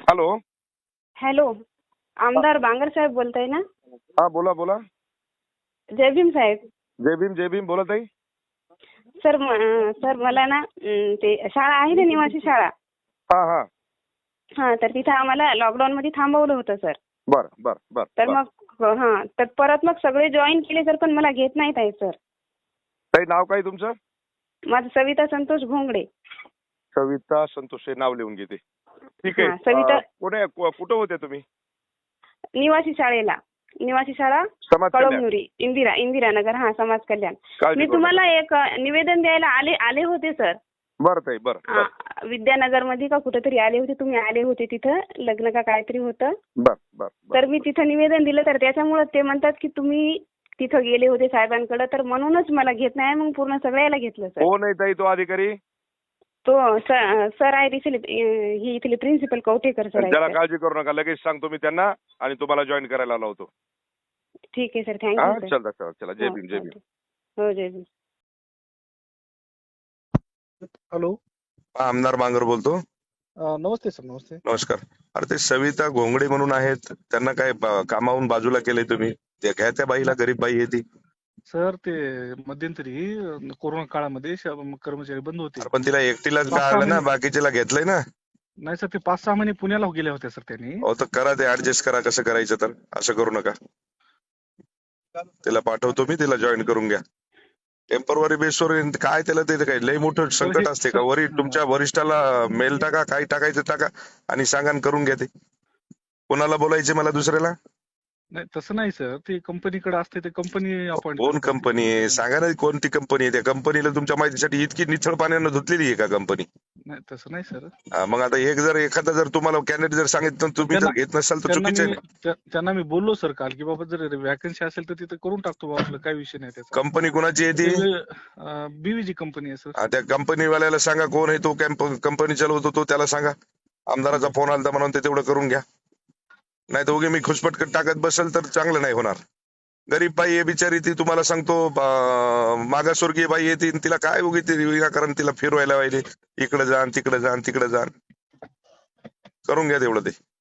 Hello. Hello, आमदार बांगर साहेब बोलताय ना? हा, बोला बोला. जय भीम साहेब. जय भीम बोलत आहे. सर मला ना ते शाळा आहे ना, निवासी शाळा. हा हा. हा, तर तिथं आम्हाला लॉकडाऊन मध्ये थांबवलं होतं सर. बर बर बर. तर मग तर परत मग सगळे जॉईन केले सर, पण मला घेत नाहीत आहे सर. काही नाव काय तुमचं? माझं सविता संतोष घोंगडे. सविता संतोष, हे नाव लिहून घेते. ठीक आहे. हा, सविता. कुठं होते तुम्ही? निवासी शाळा समाज कल्याण. कळमनुरी, इंदिरानगर. हा, समाज कल्याण. काळजी मी करू तुम्हाला एक निवेदन द्यायला आले होते सर. बरं ताई, बरं. विद्यानगर मध्ये का कुठेतरी आले होते, तुम्ही आले होते तिथं, लग्न का काहीतरी होतं. बर बर. तर मी तिथं निवेदन दिलं, तर त्याच्यामुळे ते म्हणतात की तुम्ही तिथं गेले होते साहेबांकडे, तर म्हणूनच मला घेत नाही. मग पूर्ण सगळ्याला घेतलं सर. कोण आहे ताई तो अधिकारी? तो सर आहे ही इथले प्रिन्सिपल कवठेकर सर त्याला आहे. काळजी करू नका, लगेच सांगतो मी त्यांना आणि तुम्हाला जॉईन करायला लावतो. ठीक आहे सर, हा, थँक्यू सर. चला. जय भीम, जय भीम. हो, जय भीम. हॅलो. आमदार बांगर बोलतो. नमस्ते सर. नमस्ते. नमस्कार. अरे, ते सविता घोंगडे म्हणून आहेत, त्यांना काय कामावून बाजूला केलंय तुम्ही? ते घ्या त्या बाईला, गरीब बाई आहे ती. सर, ते मध्यंतरी कोरोना काळामध्ये कर्मचारी बंद होते. पण तिला एकटीलाच का आलं ना, बाकीच्याला घेतलंय ना? नाही सर, ते 5-6 महिने पुण्याला गेले होते सर त्यांनी. हो, तर करा ते ऍडजस्ट करा, कसं करायचं. तर असं करू नका. तिला पाठवतो मी, तिला जॉईन करून घ्या. टेम्पररी बेसवर काय, त्याला ते काय लय मोठं संकट असते का? तुमच्या वरिष्ठाला मेल टाका, काय टाकायचं टाका आणि सांगा आणि करून घ्या ते. कोणाला बोलायचे मला दुसऱ्याला? नाही तसं नाही सर, ते कंपनीकडे असते, ते कंपनी अपॉइंट. कोण कंपनी आहे सांगा ना, कोणती कंपनी आहे? त्या कंपनीला तुमच्या माहितीसाठी इतकी निथळ पाण्यानं धुतलेली आहे का कंपनी? नाही तसं नाही सर. मग आता एखादा जर तुम्हाला कॅन्डिडेट जर सांगितलं तुम्ही जर घेत नसाल तर चुकीचं आहे. त्यांना मी बोललो सर काल की बाबा जर वॅकन्सी असेल तर तिथे करून टाकतो बाबा, आपलं काही विषय नाही त्याचा. कंपनी कोणाची आहे ती? बीवीजी कंपनी आहे सर. त्या कंपनीवाल्याला सांगा कोण आहे तो, कंपनी चालवतो तो, त्याला सांगा आमदाराचा फोन आला म्हणून ते तेवढं करून घ्या. नाही तर उगे मी खुशपटकट टाकत बसेल तर चांगलं नाही होणार. गरीब बाई आहे बिचारी ती, तुम्हाला सांगतो मागासवर्गीय बाई आहे ती, तिला काय उगी ती विनाकारण तिला फिरवायला पाहिजे, इकडे जाण तिकडे जाण तिकडे जाण. करून घ्या तेवढं ते.